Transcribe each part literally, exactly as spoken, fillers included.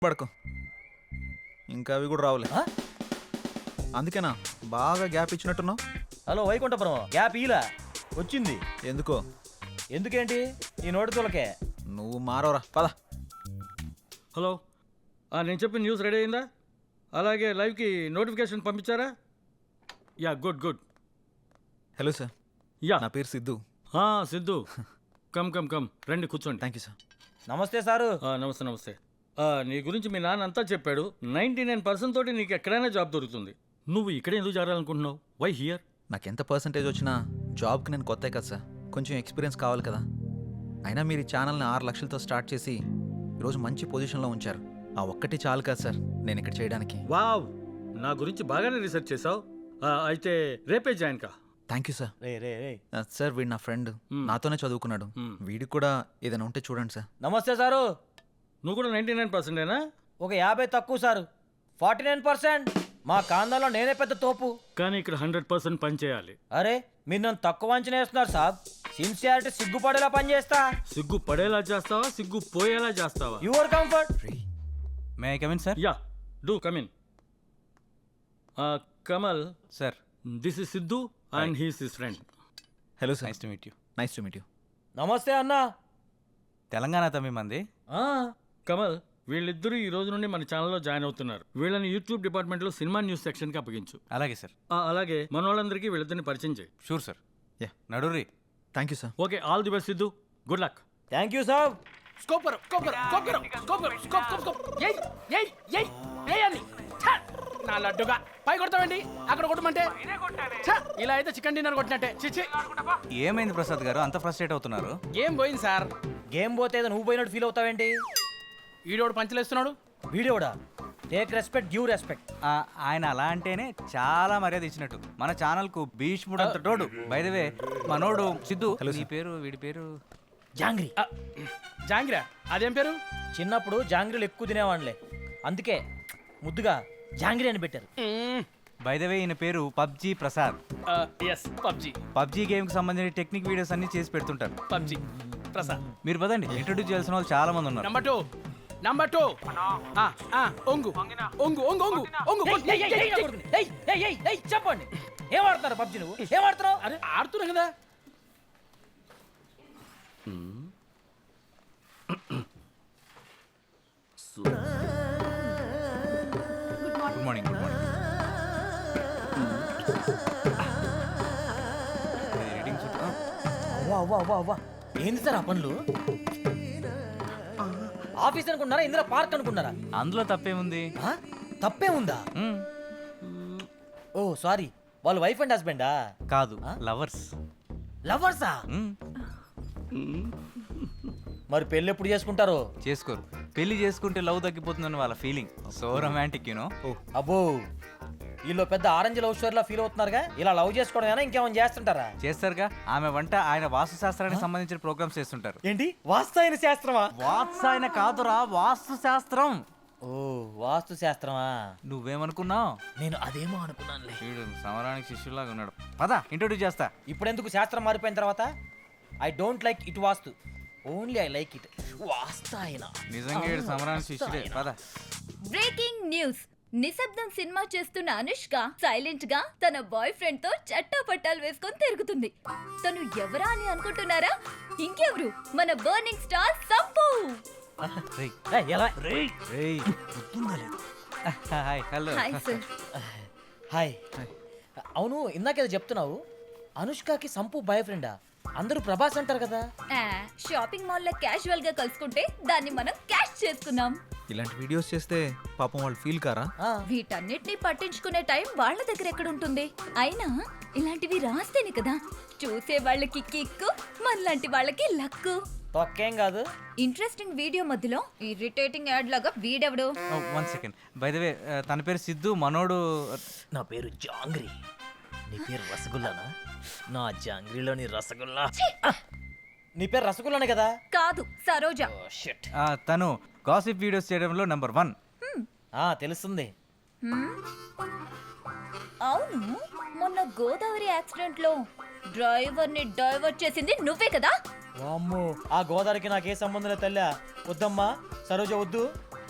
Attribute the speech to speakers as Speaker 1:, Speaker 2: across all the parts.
Speaker 1: పడుకో ఇంకా అవి కూడా రావులే. అందుకేనా బాగా గ్యాప్ ఇచ్చినట్టున్నావు.
Speaker 2: హలో వైకుంఠపురం, గ్యాప్ ఇలా వచ్చింది
Speaker 1: ఎందుకో?
Speaker 2: ఎందుకేంటి ఈ నోటి తులకే.
Speaker 1: నువ్వు మారవరా పద.
Speaker 3: హలో, నేను చెప్పిన న్యూస్ రెడీ అయిందా? అలాగే లైవ్కి నోటిఫికేషన్ పంపించారా? Yeah, good good.
Speaker 1: Hello sir,
Speaker 3: yeah,
Speaker 1: నా పేరు Siddhu.
Speaker 3: Siddhu, come come come రండి కూర్చోండి.
Speaker 1: Thank you sir.
Speaker 2: నమస్తే సారు.
Speaker 3: నమస్తే నమస్తే. నీ గురించి మీ నాన్న అంతా చెప్పాడు. నైంటీ నైన్ పర్సెంట్ తోటి నీకు ఎక్కడైనా జాబ్ దొరుకుతుంది. నువ్వు ఇక్కడే ఎందుకు చేరాలనుకుంటున్నావు? Why here?
Speaker 1: నాకు ఎంత పర్సంటేజ్ వచ్చినా జాబ్కి నేను కొత్త కదా సార్, కొంచెం ఎక్స్పీరియన్స్ కావాలి కదా. అయినా మీరు ఈ ఛానల్ని ఆరు లక్షలతో స్టార్ట్ చేసి ఈరోజు మంచి పొజిషన్లో ఉంచారు. ఆ ఒక్కటి చాలు కదా సార్ నేను ఇక్కడ చేయడానికి.
Speaker 3: వావ్, నా గురించి బాగానే రీసెర్చ్ చేసావు. అయితే రేపే జాయిన్ కా.
Speaker 1: Thank you sir.
Speaker 2: రే రే రే
Speaker 1: సార్ వీడు నా ఫ్రెండ్, నాతోనే చదువుకున్నాడు. వీడికి కూడా ఏదైనా ఉంటే చూడండి సార్.
Speaker 2: నమస్తే సారు.
Speaker 3: నువ్వు కూడా నైంటీ నైన్ పర్సెంటేనా?
Speaker 2: ఒక యాభై తక్కువ సారు, ఫార్టీ నైన్ పర్సెంట్. మా కాందాలో నేనే పెద్ద తోపు.
Speaker 3: కానీ ఇక్కడ హండ్రెడ్ పర్సెంట్ పని చేయాలి.
Speaker 2: అరే మీరు నన్ను తక్కువ అంచనా వేస్తున్నారు సాబ్. సిన్సియారిటీ సిగ్గుపడేలా పని చేస్తా.
Speaker 3: సిగ్గు పడేలా చేస్తావా, సిగ్గు పోయేలా చేస్తావా?
Speaker 2: Your comfort.
Speaker 4: May I come in sir?
Speaker 3: Yeah, do come in. Kamal
Speaker 4: sir,
Speaker 3: this is Siddhu and he's his friend.
Speaker 1: Hello sir.
Speaker 4: Nice to meet you.
Speaker 1: Nice to meet you.
Speaker 2: నమస్తే అన్నా.
Speaker 4: తెలంగాణ తమ్మి మంది.
Speaker 3: కమల్, వీళ్ళిద్దరూ ఈ రోజు నుండి మన ఛానల్లో జాయిన్ అవుతున్నారు. వీళ్ళని యూట్యూబ్ డిపార్ట్మెంట్లో సినిమా న్యూస్ సెక్షన్కి అప్పగించు.
Speaker 4: అలాగే సార్.
Speaker 3: ఆ, అలాగే మన వాళ్ళందరికీ వీళ్ళిద్దరిని పరిచయం చేయి.
Speaker 4: Sure sir.
Speaker 1: యా,
Speaker 4: నడుర్రి.
Speaker 1: Thank you sir.
Speaker 3: Okay, all the best Siddhu. Good luck.
Speaker 2: Thank you సాబ్.
Speaker 5: స్కోప్ కరో, స్కోప్ కరో, స్కోప్ కరో, స్కోప్ కరో, స్కోప్ స్కోప్ స్కోప్. ఏయ్ ఏయ్ ఏయ్ ఏయ్ అని. ఛ! నా లడ్డుగా పై కొడతావండి, అక్కడ కొట్టమంటే ఛ! ఇలా అయితే చికెన్ డిన్నర్ కొట్టినట్టే. చిచి.
Speaker 4: ఏమైంది ప్రసాద్ గారు, అంత ఫ్రస్ట్రేట్ అవుతున్నారు?
Speaker 5: ఏం పోయింది సార్?
Speaker 2: గేమ్ పోతే ఏదో నువ్వు పోయినట్టు ఫీల్ అవుతావేంటి?
Speaker 5: ఈడోడు పంచలేస్తున్నాడు.
Speaker 2: వీడియోడా? Take respect, give respect.
Speaker 4: ఆ, ఆయన అలా అంటేనే చాలా మర్యాద ఇచ్చినట్టు. మన ఛానల్ కు భీష్ముడు అంత తోడు. బై ద వే మనోడు సిద్ధు. నీ పేరు, వీడి పేరు
Speaker 2: జాంగ్రీ.
Speaker 5: ఆ, జాంగిరా, అదేం పేరు?
Speaker 2: చిన్నప్పుడు జాంగ్రీలు ఎక్కువ తినేవాళ్ళే, అందుకే ముద్దుగా జాంగ్రీ అని పెట్టారు.
Speaker 4: బై ద వే ఈయన పేరు PUBG Prasad.
Speaker 5: Yes, PUBG.
Speaker 4: PUBG game కి సంబంధించిన టెక్నిక్ వీడియోస్ అన్ని చేసి పెడుతుంటారు.
Speaker 5: పబ్జి ప్రసాద్.
Speaker 4: మీరు పదండి, ఇంట్రొడ్యూస్ చేయాల్సిన వాళ్ళు చాలా మంది ఉన్నారు.
Speaker 5: Number two, number two. ఆ, ఆ, ఒంగు ఒంగు ఒంగు ఒంగు ఒంగు.
Speaker 2: ఏయ్, ఏయ్, ఏయ్, ఏయ్, ఏయ్, ఏయ్, ఏయ్, ఏయ్, చెప్పండి. ఏం ఆడుతున్నారు పబ్జి? నువ్వు ఏం ఆడుతున్నావు?
Speaker 5: అరే ఆడుతున్నా కదా.
Speaker 4: Good morning. Good morning. Reading చూడ.
Speaker 2: అవ్వా అవ్వా అవ్వా అవ్వా, ఏంది సార్ ఆ పనులు? ఆఫీస్ అనుకున్నారా, ఇందిరా పార్క్ అనుకున్నారా?
Speaker 4: అందులో తప్పేముంది?
Speaker 2: ఆ? తప్పే ఉందా?
Speaker 4: మ్మ్.
Speaker 2: ఓ సారీ, వాళ్ళు వైఫ్ అండ్ హస్బెండా?
Speaker 4: కాదు, లవర్స్.
Speaker 2: లవర్సా? మరి పెళ్ళి ఎప్పుడు చేసుకుంటారు?
Speaker 4: చేసుకోరు. పెళ్లి చేసుకుంటే లవ్ తగ్గిపోతుందని వాళ్ళ ఫీలింగ్. So romantic you know.
Speaker 2: అబ్బో, వీళ్ళు పెద్ద ఆరెంజ్ లవ్ స్టోరీ లా ఫీల్ అవుతున్నారుగా. ఇలా లవ్ చేసుకోవడం ఇంకేమైనా చేస్తుంటారా?
Speaker 4: చేస్తారుగా. ఆమె వంట ఆయన వాస్తు శాస్త్రానికి సంబంధించిన ప్రోగ్రామ్స్ చేస్తుంటారు.
Speaker 2: ఏంటి, వాస్తు శాస్త్రమా?
Speaker 4: వాత్సాయన కాదురా, వాస్తు శాస్త్రం.
Speaker 2: ఓ, వాస్తు శాస్త్రమా?
Speaker 4: నువ్వేమనుకున్నావు?
Speaker 2: నేను అదేమో అనుకున్నానులే.
Speaker 4: వీడు సమరానికి శిష్యులాగా ఉన్నాడు. పద, ఇంట్రొడ్యూస్ చేస్తా.
Speaker 2: ఇప్పుడెందుకు శాస్త్రం మారిపోయిన తర్వాత? I don't like it vastu, only I like it వాస్తాయన.
Speaker 4: నిజంగా వీడు సమరానికి శిష్యుడే. పద.
Speaker 6: Breaking news. నిశ్శబ్దం సినిమా చేస్తున్న అనుష్క సైలెంట్ గా తన బాయ్ ఫ్రెండ్ తో చట్టా పట్టాలు వేసుకొని తిరుగుతుంది. తను ఎవరా అని అనుకుంటున్నారా? ఇంకెవరు, మన బర్నింగ్ స్టార్ సంపు.
Speaker 4: రేయ్,
Speaker 2: ఏయ్, ఎలా?
Speaker 4: రేయ్, గుర్తుందా లేదు? Hi. Hello.
Speaker 6: Hi sir.
Speaker 2: Hi. అవును, ఇందాకేదో చెప్తున్నావు, అనుష్కకి సంపు బాయ్ ఫ్రెండా? అందరూ ప్రభాస్ అంటారు కదా.
Speaker 6: ఆ, షాపింగ్ మాల్ లో క్యాజువల్ గా కలుసుకుంటే దాన్ని మనం క్యాష్ చేసుకున్నాం.
Speaker 1: ఇలాంటి వీడియోస్ చేస్తే పాపం వాళ్ళు ఫీల్ కారా?
Speaker 2: ఆ,
Speaker 6: వీటన్నిటిని పట్టించుకునే టైం వాళ్ళ దగ్గర ఎక్కడ ఉంటుంది? అయినా ఇలాంటివి రాస్తేనే కదా చూసే వాళ్ళకి కిక్కు, మనలాంటి వాళ్ళకి లక్కు.
Speaker 2: తొక్కేం కాదు.
Speaker 6: ఇంట్రెస్టింగ్ వీడియో మధ్యలో ఇరిటేటింగ్ యాడ్ లాగా వీడెవడు?
Speaker 4: One second. By the way తన పేరు సిద్ధు, మనోడు.
Speaker 2: నా పేరు జాంగ్రీ. నీ పేరు రసగుల్లానా? నా జాంగ్రీలోని రసగుల్లా. నీ పేరు రసగుల్లానే కదా?
Speaker 6: కాదు, సరోజ.
Speaker 2: ఓ షిట్.
Speaker 4: ఆ, తను గాసిప్ వీడియోస్ చేయడంలో నెంబర్ వన్.
Speaker 2: ఆ, తెలుస్తుంది.
Speaker 6: హ్మ్? అవును, మొన్న గోదావరి యాక్సిడెంట్ లో డ్రైవర్ ని డైవర్ట్ చేసింది నువ్వే కదా?
Speaker 2: వామ్మో, ఆ గోదావరికి నాకే సంబంధం లేదు తల్లా. వద్దమ్మా, సరోజ వద్దు.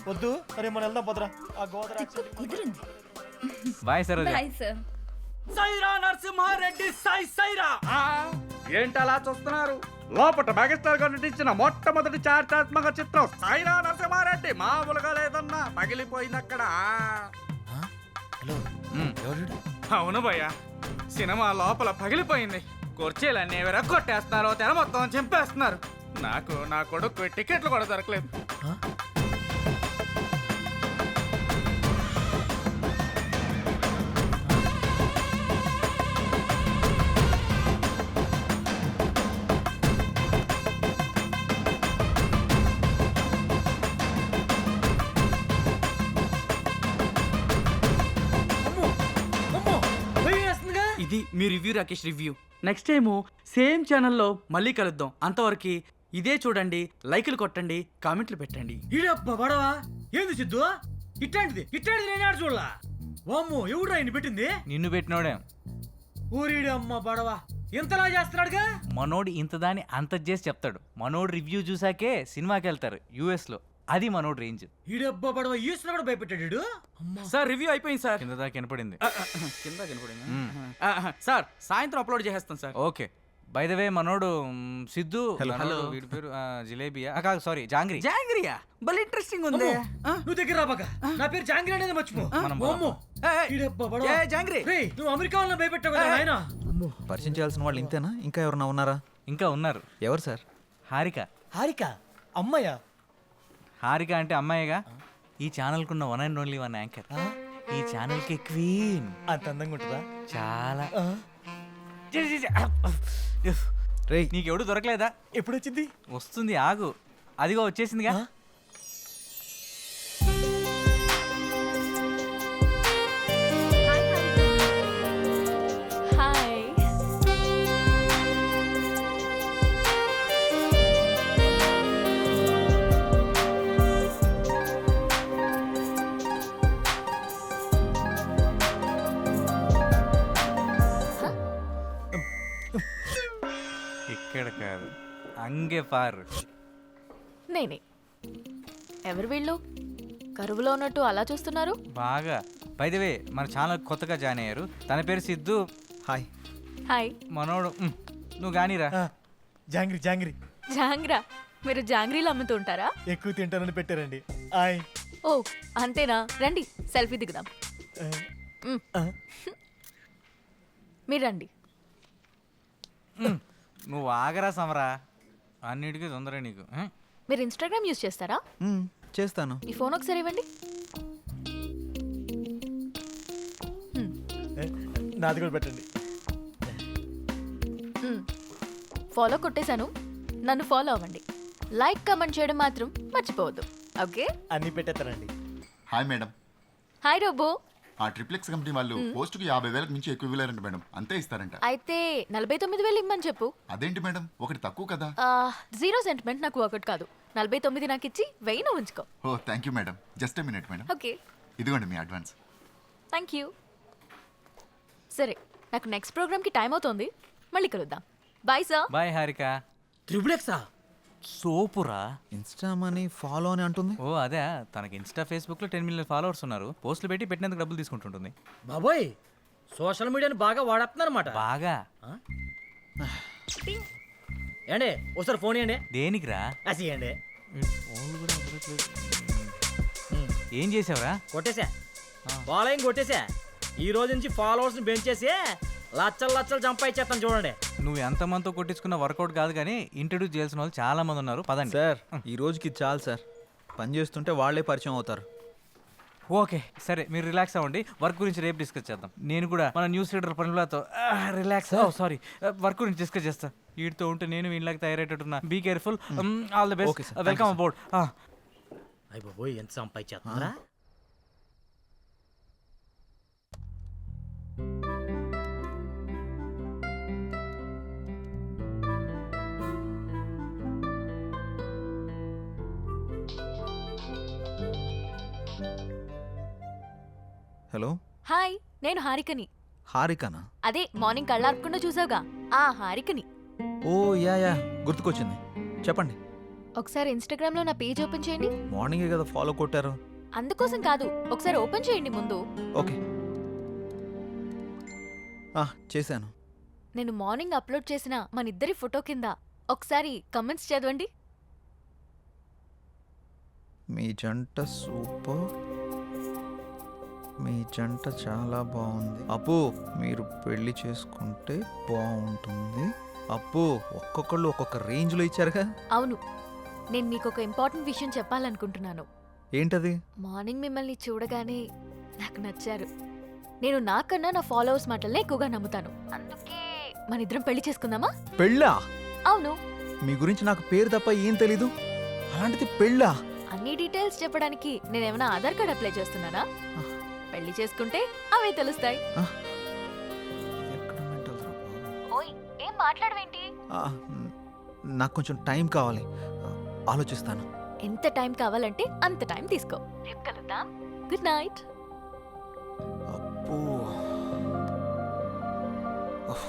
Speaker 7: వద్దు సరే మనం వెళ్దాం పోతరా ఆ గోదర
Speaker 6: తిక్కు కుదిరింది.
Speaker 4: Bye Saroja.
Speaker 6: Bye sir.
Speaker 3: Sye Raa Narasimha Reddy Sye Sye Raa ఏంటి అలా చూస్తున్నారు? లోపట మెగాస్టార్ గారు నటించిన మొట్టమొదటి చారిత్రాత్మక చిత్రం సైరా నరసింహారెడ్డి మామూలుగా లేదన్నా, పగిలిపోయింది అక్కడ.
Speaker 2: హలో
Speaker 4: మ్.
Speaker 2: ఎవరు?
Speaker 3: అవును భయ్య, సినిమా లోపల పగిలిపోయింది. కుర్చీలన్నీ ఎవరో కొట్టేస్తున్నారు, తెర మొత్తం చింపేస్తున్నారు. నాకు నా కొడుకు టికెట్లు కూడా దొరకలేదు.
Speaker 5: ఇది మీ review Rakesh review. Next time same ఛానల్లో మళ్ళీ కలుద్దాం. అంతవరకు ఇదే చూడండి, లైకులు కొట్టండి, కామెంట్లు పెట్టండి.
Speaker 3: ఈడబ్బా బడవా ఏంది సిద్ధు? ఇట్లాంటిది ఇట్లాంటిది నేను ఆడ చూడలా. వామ్మో ఎవడు ఆయన పెట్టింది?
Speaker 4: నిన్ను పెట్టినోడే.
Speaker 3: ఊరిడి అమ్మ బడవా ఇంతలా చేస్తున్నాడుగా.
Speaker 4: మనోడు ఇంత దాన్ని అంత చేసి చెప్తాడు. మనోడు రివ్యూ చూసాకే సినిమాకి వెళ్తారు యుఎస్ లో. అది మనోడు రేంజ్.
Speaker 3: ఈడబ్బా బడవా ఈసిన కూడా భయపెట్టాడు.
Speaker 5: సార్ రివ్యూ అయిపోయింది సార్.
Speaker 4: కింద దాకా వినపడింది.
Speaker 5: కింద కనపడింది సార్. సాయంత్రం అప్లోడ్ చేసేస్తాం sir.
Speaker 4: Okay. By the way మనోడు మ్, సిద్ధు.
Speaker 1: Hello.
Speaker 4: మనోడు, వీడి పేరు ఆ, జిలేబియా ఆ, కాదు సారీ జాంగ్రీ.
Speaker 5: జాంగ్రియా భలే ఇంట్రెస్టింగ్ ఉంది. ఆ?
Speaker 3: నువ్వు దగ్గర రాబాక. నా పేరు జాంగ్రీ అనేది మర్చిపో.
Speaker 4: మనం
Speaker 3: వామ్మో.
Speaker 5: ఏయ్, ఏయ్.
Speaker 3: ఈడబ్బా బడవా.
Speaker 5: ఏ జాంగ్రీ
Speaker 3: రేయ్, నువ్వు అమెరికా వాళ్ళని భయపెట్టావు కదా నాయనా.
Speaker 1: పరిచయం చేయాల్సిన వాళ్ళు ఇంతేనా? ఇంకా ఎవరన్నా ఉన్నారా?
Speaker 4: ఇంకా ఉన్నారు.
Speaker 1: ఎవరు సార్?
Speaker 4: హారిక.
Speaker 7: హారిక అమ్మయ్య
Speaker 4: హారిక అంటే అమ్మాయిగా. ఈ ఛానల్ కున్న one and only one anchor. ఈ ఛానల్ కి క్వీన్.
Speaker 7: అంత అందంగా ఉంటుందా?
Speaker 4: చాలా.
Speaker 7: ఆ,
Speaker 1: రేయ్,
Speaker 4: నీకెవడు దొరకలేదా?
Speaker 7: ఎప్పుడు వచ్చింది?
Speaker 4: వస్తుంది ఆగు. అదిగో వచ్చేసిందిగా.
Speaker 6: హాయ్.
Speaker 4: ఇక్కడ కాదు, అంగే పారు.
Speaker 8: నేనే. ఎవరు వీళ్ళు? కరువులో ఉన్నట్టు అలా చూస్తున్నారు.
Speaker 4: బాగా. బై ద వే మన ఛానల్ కొత్తగా జాయిన్ అయ్యారు. తన పేరు సిద్ధు.
Speaker 1: హాయ్.
Speaker 8: హాయ్.
Speaker 4: మనోడు మ్, నువ్వు గానీరా.
Speaker 7: ఆ, జాంగ్రీ జాంగ్రీ
Speaker 8: జాంగ్రా. మీరు జాంగ్రీలు అమ్ముతూ ఉంటారా?
Speaker 7: ఎక్కువ తింటానని పెట్టారండి. ఆయ్
Speaker 8: ఓ అంతేనా? రండి సెల్ఫీ దిగుదాం.
Speaker 7: ఆ,
Speaker 8: మ్.
Speaker 7: ఆ,
Speaker 8: మీరు రండి.
Speaker 4: మ్, నువ్వు ఆగరా సమరా. అన్నిటికీ తొందర నీకు. మ్?
Speaker 8: మీరు ఇన్స్టాగ్రామ్ యూజ్ చేస్తారా?
Speaker 1: మ్, చేస్తాను.
Speaker 8: ఈ ఫోన్ ఒకసారి ఇవ్వండి.
Speaker 7: ఏ, నాది కూడా పెట్టండి.
Speaker 8: ఫాలో కొట్టేశాను. నన్ను ఫాలో అవ్వండి. లైక్ కమెంట్ చేయడం మాత్రం మర్చిపోవద్దు. ఓకే.
Speaker 7: అన్ని పెట్టేస్తానండి.
Speaker 9: Hi madam,
Speaker 8: hi robo.
Speaker 9: ఆ ట్రిప్లెక్స్ కంపెనీ వాళ్ళు పోస్టుకు యాభై వేలకు మించి ఎక్కువ ఇవ్వలేరంట మేడం. అంతే ఇస్తారంట.
Speaker 8: అయితే నలభై తొమ్మిది వేలు ఇమ్మని చెప్పు.
Speaker 9: అదేంటి మేడం, ఒకటి తక్కువ కదా?
Speaker 8: ఆ, జీరో సెంటిమెంట్ నాకు ఒకటి కాదు. నలభై తొమ్మిది నాకు ఇచ్చి వెయ్యి నువ్వు ఉంచుకో.
Speaker 9: Oh thank you madam. Just a minute madam.
Speaker 8: Okay.
Speaker 9: ఇదిగోండి మీ అడ్వాన్స్.
Speaker 8: Thank you. సరే, నాకు నెక్స్ట్ ప్రోగ్రామ్కి టైం అవుతోంది. మళ్ళీ కలుద్దాం. Bye sir.
Speaker 4: బాయ్ హారిక.
Speaker 3: త్రిబులెక్సా?
Speaker 4: సోపురా.
Speaker 1: ఇన్స్టా మనీ ఫాలో అని అంటుంది.
Speaker 4: ఓ అదే, తనకి ఇన్స్టా ఫేస్బుక్ లో టెన్ మిలియన్ ఫాలోవర్స్ ఉన్నారు. పోస్టులు పెట్టి పెట్టినందుకు డబ్బులు తీసుకుంటుంటుంది.
Speaker 3: బాబోయ్, సోషల్ మీడియాని బాగా వాడేస్తున్నారన్నమాట.
Speaker 4: బాగా.
Speaker 3: ఏండి ఒకసారి ఫోన్ ఇవ్వండి.
Speaker 4: దేనికిరా?
Speaker 3: అసియండి.
Speaker 4: ఏం చేసావురా?
Speaker 3: కొట్టేసా, ఫాలోయింగ్ కొట్టేసా. ఈ రోజు నుంచి ఫాలోవర్స్ ని పెంచేసి లచ్చలు లచ్చలు సంపాదించేస్తాను చూడండి.
Speaker 4: నువ్వు ఎంతమందితో కొట్టించుకున్న వర్కౌట్ కాదు కానీ ఇంట్రడ్యూస్ చేయాల్సిన వాళ్ళు చాలా మంది ఉన్నారు. పదండి
Speaker 1: సార్, ఈ రోజుకి ఇది చాలు సార్. పని చేస్తుంటే వాళ్ళే పరిచయం అవుతారు.
Speaker 4: ఓకే సరే, మీరు రిలాక్స్ అవ్వండి. వర్క్ గురించి రేపు డిస్కస్ చేద్దాం. నేను కూడా మన న్యూస్ రీడర్ పనులతో రిలాక్స్. సారీ, వర్క్ గురించి డిస్కస్ చేస్తా. వీటితో ఉంటే నేను వీళ్ళకి తయారయ్యేటట్టున్నా. Be careful. All the
Speaker 1: Okay,
Speaker 4: best.
Speaker 1: sir. Thank
Speaker 4: welcome
Speaker 1: you, sir.
Speaker 4: About.
Speaker 3: అయ్య బాబోయ్, ఎంత సంపాదించేస్తున్నారా?
Speaker 1: హలో,
Speaker 8: హాయ్, నేను హారికని.
Speaker 1: హారికనా?
Speaker 8: అదే మార్నింగ్ కళ్ళార్పకుండా చూసావుగా, ఆ హారికని.
Speaker 1: ఓ యా యా, గుర్తుకొచ్చింది. చెప్పండి.
Speaker 8: ఒకసారి ఇన్స్టాగ్రామ్ లో నా పేజ్ ఓపెన్ చేయండి.
Speaker 1: మార్నింగే కదా ఫాలో కొట్టారు.
Speaker 8: అందుకోసం కాదు, ఒకసారి ఓపెన్ చేయండి ముందు.
Speaker 1: ఓకే ఆ, చేశాను.
Speaker 8: నేను మార్నింగ్ అప్లోడ్ చేసిన మన ఇద్దరి ఫోటో కింద ఒకసారి కమెంట్స్ చదవండి.
Speaker 1: మీ జంట సూపర్, మీ జంట చాలా బాగుంది. అప్పు మీరు పెళ్లి చేసుకుంటే బాగుంటుంది. అప్పు ఒక్కొక్కళ్ళు ఒక్కొక్క రేంజ్లో ఇచ్చారుగా.
Speaker 8: అవును, నేను మీకు ఒక ఇంపార్టెంట్ విషయం చెప్పాలనుకుంటున్నాను.
Speaker 1: ఏంటది?
Speaker 8: మార్నింగ్ మిమ్మల్ని చూడగానే నాకు నచ్చారు. నేను నాకన్నా నా ఫాలోవర్స్ మాటలనే ఎక్కువగా నమ్ముతాను. అందుకే మన ఇద్దరం పెళ్లి చేసుకుందామా?
Speaker 1: పెళ్ళా?
Speaker 8: అవును.
Speaker 1: మీ గురించి నాకు పేరు తప్ప ఏం తెలీదు, అలాంటిది పెళ్ళా?
Speaker 8: అన్ని డీటెయిల్స్ చెప్పడానికి నేనేమైనా ఆధార్ కార్డ్ అప్లై చేస్తున్నానా? పెళ్లి చేసుకుంటే అవే తెలుస్తాయి.
Speaker 1: ఎక్కడ mental రా బాబు?
Speaker 8: ఓయ్, ఏం మాట్లాడవేంటి?
Speaker 1: ఆ, నాకు కొంచెం టైం కావాలి, ఆలోచిస్తాను.
Speaker 8: ఎంత టైం కావాలంటే అంత టైం తీసుకో. రేపు కలుద్దాం. Good night.
Speaker 1: అప్పు ఉఫ్.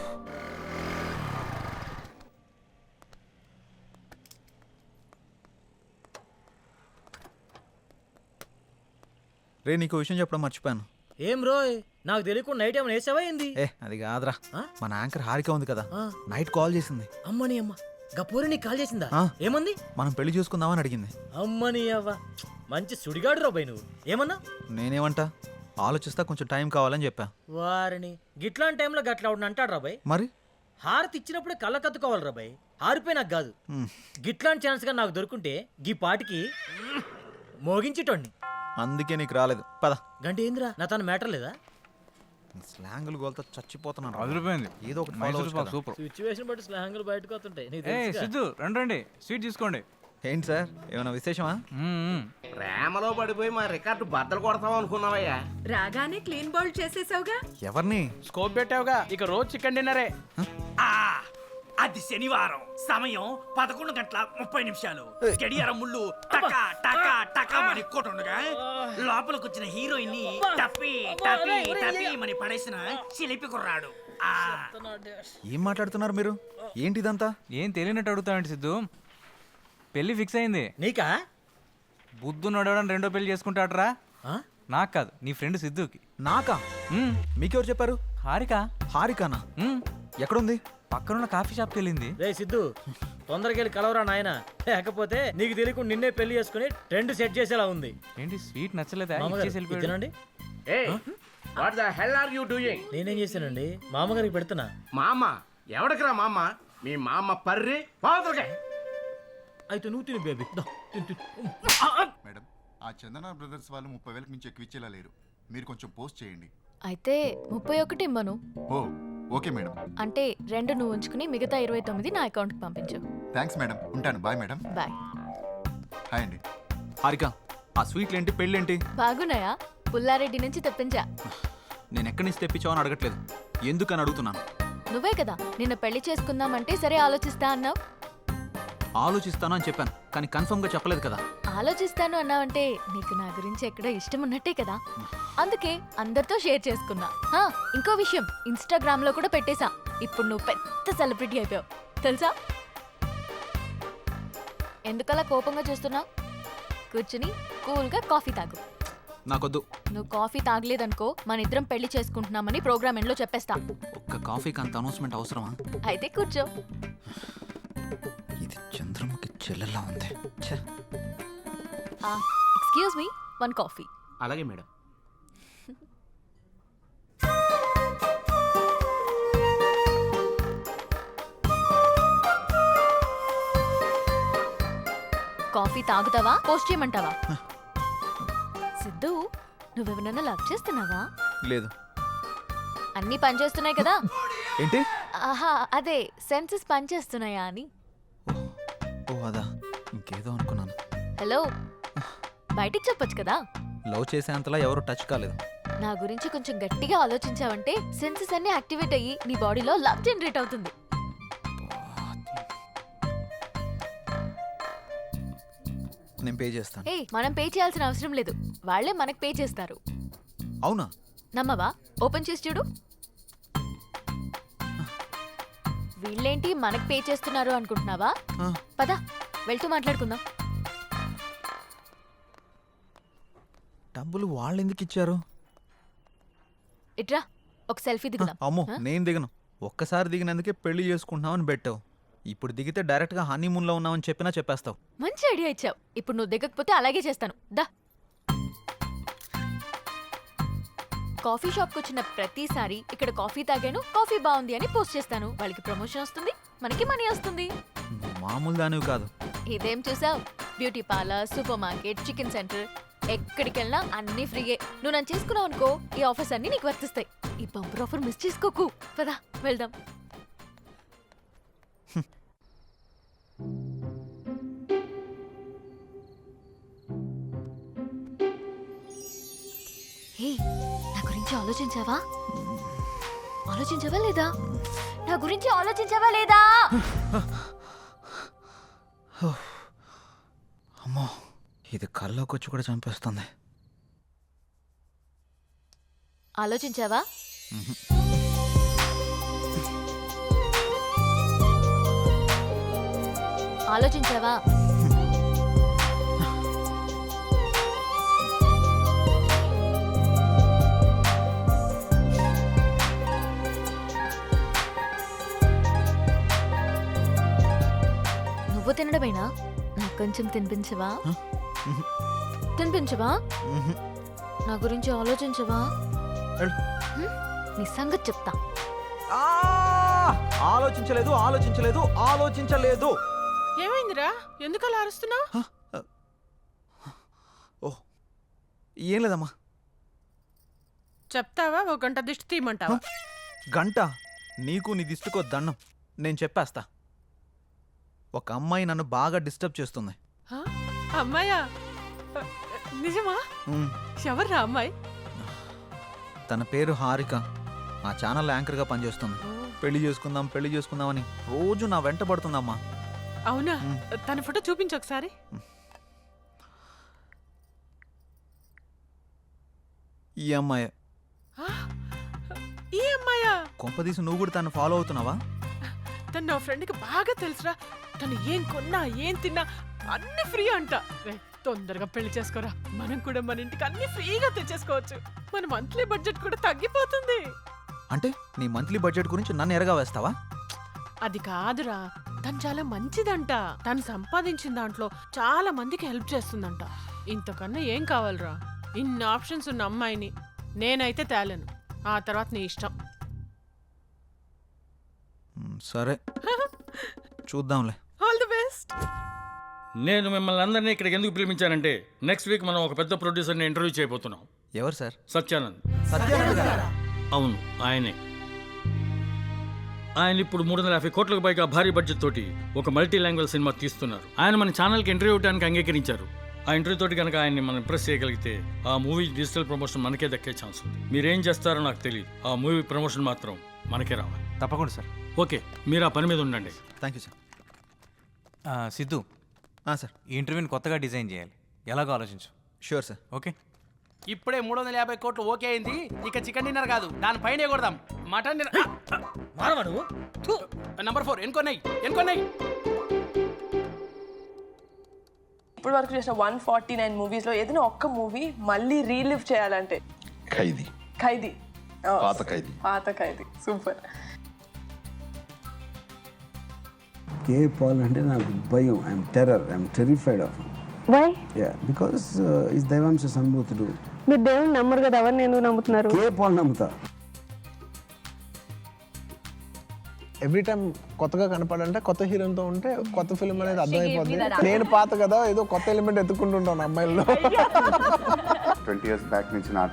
Speaker 1: రే, నీకు విషయం చెప్పడం మర్చిపోయాను.
Speaker 2: ఏం రోయ్, నాకు తెలియకుండా నైట్ ఏమైనా వేసావా ఏంది?
Speaker 1: ఏ అది కాదురా,
Speaker 2: ఆ?
Speaker 1: మన యాంకర్ హారిక ఉంది కదా,
Speaker 2: ఆ.
Speaker 1: నైట్ కాల్ చేసింది.
Speaker 2: అమ్మని అమ్మ, గపూరి నీకు కాల్ చేసిందా?
Speaker 1: ఆ.
Speaker 2: ఏమంది?
Speaker 1: మనం పెళ్లి చూసుకుందామని అడిగింది.
Speaker 2: అమ్మని అవ్వ, మంచి సుడిగాడు రాబాయ్ నువ్వు. ఏమన్నా?
Speaker 1: నేనేమంటా, ఆలోచిస్తా, కొంచెం టైం కావాలని చెప్పా.
Speaker 2: వారిని గిట్లాంటి టైంలో గట్లా అవును అంటాడు రాబాయ్.
Speaker 1: మరి
Speaker 2: హారతి ఇచ్చినప్పుడే కళ్ళ కత్తుకోవాలి రాబాయ్. హారిపోయి నాకు కాదు.
Speaker 1: మ్,
Speaker 2: గిట్లాంటి ఛాన్స్ గా నాకు దొరుకుంటే గీ పాటికి మోగించేటోడిని.
Speaker 1: అందుకే నీకు రాలేదు. పద.
Speaker 2: గంట ఏందిరా, నా తన మ్యాటర్ లేదా?
Speaker 1: నీ స్లాంగులు గోల్తో చచ్చిపోతున్నాను.
Speaker 4: అదిరిపోయింది.
Speaker 1: ఏదో ఒకటి follow
Speaker 4: మైసూర్
Speaker 1: అవ్వచ్చు
Speaker 4: పాక్
Speaker 1: కదా.
Speaker 4: సూపర్.
Speaker 2: సిచ్యువేషన్ బట్టి స్లాంగులు బయటకు వస్తుంటాయి నీకు
Speaker 4: ఏ
Speaker 2: తెలుసుగా.
Speaker 4: సిద్ధు, రండి రండి, స్వీట్ తీసుకోండి.
Speaker 1: ఏంటి సార్, ఏమైనా విశేషమా?
Speaker 4: మ్మ్, మ్మ్.
Speaker 3: ప్రేమలో పడిపోయి మా రికార్డు బద్దలు కొడతాం అనుకున్నావయ్యా.
Speaker 10: రాగానే క్లీన్ బౌల్ చేసేసావుగా.
Speaker 1: ఎవరిని?
Speaker 5: స్కోప్ పెట్టావుగా, ఇక రోజు చికెన్ డిన్నరే.
Speaker 11: అది శనివారం, సమయం పదకొండు గంటల ముప్పై నిమిషాలు. గడియారం ముళ్ళు టకా టకా టకా మని కొట్టుండగా లోపలికి వచ్చిన హీరోయిన్ ని టప్పి టప్పి టప్పి మని పడేసిన చిలిపి కుర్రాడు. ఆ
Speaker 1: ఏం మాట్లాడుతున్నారు మీరు? ఏంటి ఇదంతా?
Speaker 4: ఏం తెలియనట్టు అడుగుతావండి సిద్ధు. పెళ్లి ఫిక్స్ అయింది.
Speaker 2: నీకా?
Speaker 4: బుద్ధు నడవడం రెండో పెళ్లి చేసుకుంటాడరా.
Speaker 2: ఆ?
Speaker 4: నాకు కాదు, నీ ఫ్రెండ్ సిద్ధుకి.
Speaker 1: నాకా?
Speaker 4: మ్మ్.
Speaker 1: మీకెవరు చెప్పారు?
Speaker 4: హారిక.
Speaker 1: హారికానా?
Speaker 4: మ్మ్.
Speaker 1: ఎక్కడుంది?
Speaker 4: పక్కనున్న కాఫీ షాప్కి వెళ్ళింది.
Speaker 2: రే సిద్ధు, తొందరగా వెళ్ళి కలవరా నాయన, లేకపోతే నీకు తెలియకుండా నిన్నే పెళ్లి చేసుకుని ట్రెండ్ సెట్ చేసేలా ఉంది.
Speaker 4: ఏంటి స్వీట్ నచ్చలేదా?
Speaker 2: మామగారు,
Speaker 4: ఇచ్చేసి
Speaker 2: ఇది
Speaker 4: వెళ్ళిపోయాడు.
Speaker 2: తినండి.
Speaker 3: What the hell are you doing?
Speaker 2: నేనేం చేశానండి, మామగారికి పెడుతున్నా.
Speaker 3: మా అమ్మ ఎవడికిరా మా అమ్మ? మీ మా అమ్మ పర్రి పాదులుగా.
Speaker 2: అయితే నువ్వు తిని బేబీ. దా, తిను, తిను.
Speaker 9: మేడం, ఆ చందన బ్రదర్స్ వాళ్ళు ముప్పై వేలకు మించి ఎక్కువ ఇచ్చేలా లేరు. మీరు కొంచెం పోస్ట్ చేయండి.
Speaker 8: అయితే ముప్పై ఒకటి ఇమ్మను.
Speaker 9: ఓ ఓకే మేడం.
Speaker 8: అంటే రెండు నువ్వు ఉంచుకుని మిగతా ఇరవై తొమ్మిది నా అకౌంట్కి పంపించు.
Speaker 9: థ్యాంక్స్ మేడం, ఉంటాను. Bye madam.
Speaker 8: బాయ్.
Speaker 9: హాయ్ అండి.
Speaker 1: హారిక, ఆ స్వీట్లేంటి, పెళ్ళేంటి?
Speaker 8: బాగున్నాయా? పుల్లారెడ్డి నుంచి తెప్పించా.
Speaker 1: నేను ఎక్కడి నుంచి తెప్పించావని అడగట్లేదు, ఎందుకని అడుగుతున్నాను.
Speaker 8: నువ్వే కదా నిన్న పెళ్లి చేసుకుందామంటే సరే ఆలోచిస్తా అన్నావు.
Speaker 1: ఆలోచిస్తాను అని చెప్పాను, కానీ కన్ఫర్మ్గా చెప్పలేదు కదా.
Speaker 8: ఆలోచిస్తాను అన్నావంటే నీకు నా గురించి ఎక్కడో ఇష్టం ఉన్నట్టే కదా, అందుకే అందరితో షేర్ చేసుకున్నా. హా, ఇంకో విషయం, ఇన్స్టాగ్రామ్ లో కూడా పెట్టేశా. ఇప్పుడు నువ్వు పెద్ద సెలబ్రిటీ అయిపోయావు తెలుసా. ఎందుకలా కోపంగా చూస్తున్నావు? కూర్చుని కూల్గా కాఫీ తాగు.
Speaker 1: నాకొద్దు.
Speaker 8: నువ్వు కాఫీ తాగలేదనుకో మన ఇద్దరం పెళ్లి చేసుకుంటున్నామని ప్రోగ్రామ్ ఎండ్లో చెప్పేస్తా.
Speaker 1: ఒక్క కాఫీకి అంత అనౌన్స్మెంట్ అవసరమా?
Speaker 8: అయితే కూర్చో.
Speaker 1: ఇది చంద్రముఖి చెల్లెలా ఉంది. ఛే.
Speaker 8: Excuse me, one coffee.
Speaker 3: అలాగే మేడం.
Speaker 8: కాఫీ తాగుతావా, పోస్ట్ చేయమంటావా? సిద్ధు, నువ్వెవరన్నా లవ్ చేస్తున్నావా?
Speaker 1: లేదు.
Speaker 8: అన్నీ పనిచేస్తున్నాయి కదా.
Speaker 1: ఏంటి?
Speaker 8: ఆహా, అదే సెన్సెస్ పనిచేస్తున్నాయా అని.
Speaker 1: ఓ అదా, ఇంకేదో అనుకున్నాను.
Speaker 8: హలో, బయటికి చెప్పొచ్చు కదా.
Speaker 1: లవ్ చేసేంతలా ఎవరు టచ్ కాలేదు.
Speaker 8: నా గురించి కొంచెం గట్టిగా ఆలోచించావంటే సెన్సెస్ అన్ని యాక్టివేట్ అయ్యి నీ బాడీలో లవ్ జనరేట్ అవుతుంది.
Speaker 1: నేను పే చేస్తాను.
Speaker 8: ఏ, మనం పే చేయాల్సిన అవసరం లేదు, వాళ్ళే మనకు పే చేస్తారు.
Speaker 1: అవునా?
Speaker 8: నమ్మవా? ఓపెన్ చేసి చూడు. వీళ్ళేంటి మనకు పే చేస్తున్నారు అనుకుంటున్నావా?
Speaker 1: ఆ.
Speaker 8: పద. వెళ్తూ మాట్లాడుకుందాం.
Speaker 1: డబ్బులు వాళ్ళు ఎందుకు ఇచ్చారు?
Speaker 8: ఇట్రా ఒక సెల్ఫీ దిగుదాం.
Speaker 1: అమ్మో
Speaker 8: ఆ?
Speaker 1: నేను దిగను. ఒక్కసారి దిగినందుకే పెళ్లి చేసుకుంటున్నామని పెట్టావు. ఇప్పుడు దిగితే డైరెక్ట్గా హనీమూన్లో ఉన్నామని చెప్పినా చెప్పేస్తావు.
Speaker 8: మంచి ఐడియా ఇచ్చావు. ఇప్పుడు నువ్వు దిగకపోతే అలాగే చేస్తాను. దా. కాఫీ షాప్కి వచ్చిన ప్రతిసారి ఇక్కడ కాఫీ తాగాను, కాఫీ బాగుంది అని పోస్ట్ చేస్తాను. వాళ్ళకి ప్రమోషన్ వస్తుంది, మనకి మనీ వస్తుంది.
Speaker 1: నువ్వు మామూలు దానివి కాదు.
Speaker 8: ఇదేం చూసావు? Beauty parlour, supermarket, chicken centre, ఎక్కడికి వెళ్ళినా అన్ని ఫ్రీయే. నువ్వు నన్ను చేసుకున్నావు అనుకో, ఈ ఆఫర్స్ అన్ని నీకు వర్తిస్తాయి. ఈ బంపర్ ఆఫర్ మిస్ చేసుకోకు. పదా వెళ్దాం. హే, నా గురించి ఆలోచించావా? ఆలోచించావా లేదా? నా గురించి ఆలోచించావా లేదా?
Speaker 1: అమ్మో ఇది కల్లోకి వచ్చి కూడా చంపేస్తుంది.
Speaker 8: ఆలోచించావా? ఆలోచించావా? నువ్వు తినడమేనా? నాకు కొంచెం తినిపించవా? తినిపించవా?
Speaker 1: మ్హూ.
Speaker 8: నా గురించి ఆలోచించవా?
Speaker 1: వెళ్ళు.
Speaker 8: హ్మ్? నీ సంగతి చెప్తా.
Speaker 1: ఆ! ఆలోచించలేదు ఆలోచించలేదు ఆలోచించలేదు.
Speaker 10: ఏమైందిరా ఎందుకు అలా అరుస్తున్నావు?
Speaker 1: ఓ ఏం లేదమ్మా.
Speaker 10: చెప్తావా ఒక గంట దిష్టి తీయమంటావా?
Speaker 1: గంట నీకు నీ దిష్టికో దండం. నేను చెప్పేస్తా. ఒక అమ్మాయి నన్ను బాగా డిస్టర్బ్ చేస్తుంది.
Speaker 10: హ? అమ్మాయా? నిజమా?
Speaker 1: ఉమ్,
Speaker 10: ఎవర్రా అమ్మాయి?
Speaker 1: తన పేరు హారిక. ఆ ఛానల్ యాంకర్గా పనిచేస్తుంది. పెళ్లి చేసుకుందాం పెళ్లి చేసుకుందామని రోజు నా వెంట పడుతుందమ్మా.
Speaker 10: అవునా?
Speaker 1: మ్.
Speaker 10: తన ఫోటో చూపించు ఒకసారి.
Speaker 1: ఈ అమ్మాయి
Speaker 10: ఆ? ఈ అమ్మాయా?
Speaker 1: కొంపదీసి నువ్వు కూడా తను ఫాలో అవుతున్నావా?
Speaker 10: తను నా ఫ్రెండ్కి బాగా తెలుసురా. తను ఏం కొన్నా ఏం తిన్నా అన్ని ఫ్రీ అంట. రేయ్, తొందరగా పెళ్లి చేసుకోరా. మనం కూడా మన ఇంటికి అన్ని ఫ్రీగా తెచ్చేసుకోవచ్చు. మన మంత్లీ బడ్జెట్ కూడా తగ్గిపోతుంది.
Speaker 1: అంటే నీ మంత్లీ బడ్జెట్ గురించి నన్ను ఎరగా వేస్తావా?
Speaker 10: అది కాదురా, తను చాలా మంచిదంట. తను సంపాదించిన దాంట్లో చాలా మందికి హెల్ప్ చేస్తుందంట. ఇంతకన్నా ఏం కావాలరా? ఇన్ని ఆప్షన్స్ ఉన్న అమ్మాయిని నేనైతే తేలేను. ఆ తర్వాత నీ ఇష్టం.
Speaker 1: ఉమ్, సరే చూద్దాంలే.
Speaker 10: All the best.
Speaker 12: నేను మిమ్మల్ని అందరినీ ఇక్కడికి ఎందుకు పిలిపించానంటే నెక్స్ట్ వీక్ మనం ఒక పెద్ద ప్రొడ్యూసర్ని ఇంటర్వ్యూ చేయబోతున్నాం.
Speaker 1: ఎవరు సార్?
Speaker 12: సత్యానంద్.
Speaker 1: సత్యానంద్ గారా?
Speaker 12: అవును, ఆయనే. ఆయన ఇప్పుడు మూడు వందల యాభై కోట్లకు పైగా భారీ బడ్జెట్ తోటి ఒక మల్టీ లాంగ్వేజ్ సినిమా తీస్తున్నారు. ఆయన మన ఛానల్కి ఇంటర్వ్యూ ఇవ్వడానికి అంగీకరించారు. ఆ ఇంటర్వ్యూ తోటి కనుక ఆయన్ని మనం ఇంప్రెస్ చేయగలిగితే ఆ మూవీ డిజిటల్ ప్రమోషన్ మనకే దక్కే ఛాన్స్ ఉంది. మీరేం చేస్తారో నాకు తెలియదు. ఆ మూవీ ప్రమోషన్ మాత్రం మనకే రావాలి.
Speaker 4: తప్పకుండా సార్.
Speaker 12: ఓకే, మీరు ఆ పని మీద ఉండండి.
Speaker 1: Thank you sir.
Speaker 4: ఆ, సిద్ధు,
Speaker 1: ఆ, సార్
Speaker 4: ఈ ఇంటర్వ్యూని కొత్తగా డిజైన్ చేయాలి. ఎలాగో ఆలోచించు.
Speaker 1: Sure sir.
Speaker 4: ఓకే.
Speaker 5: ఇప్పుడే మూడు వందల యాభై కోట్లు ఓకే అయింది. ఇక చికెన్ డిన్నర్ కాదు, దానిపైనే కొడదాం. Mutton dinner.
Speaker 2: మారవాడు
Speaker 5: నంబర్ ఫోర్ ఎన్కొన్నాయి ఎన్కొన్నాయి.
Speaker 10: ఇప్పుడు వరకు చేసిన వన్ ఫార్టీ నైన్ మూవీస్ లో ఏదైనా ఒక్క మూవీ మళ్ళీ రీలివ్ చేయాలంటే
Speaker 9: ఖైదీ.
Speaker 10: ఖైదీ. Oh,
Speaker 9: పాత ఖైదీ.
Speaker 10: పాత ఖైదీ. సూపర్.
Speaker 13: కే పాల్ అంటే నాకు భయం. I'm terror. I'm terrified of.
Speaker 10: Why?
Speaker 13: Yeah because is దైవాంశ సంభూతుడు.
Speaker 10: మీరు దేవుని నమ్మరు కదా, ఎవరిని ఎందుకు నమ్ముతున్నారు?
Speaker 13: కే పాల్ నమ్ముతా.
Speaker 7: ఎవ్రీ టైం కొత్తగా కనపడాలంటే కొత్త హీరోతో ఉంటే కొత్త ఫిల్మ్ అనేది అర్థమైపోద్ది. నేను పాత కదా ఏదో కొత్త ఎలిమెంట్ ఎత్తుకుంటుంటాను అమ్మాయిల్లో.
Speaker 9: ట్వంటీ ఇయర్స్ బ్యాక్ నుంచి నా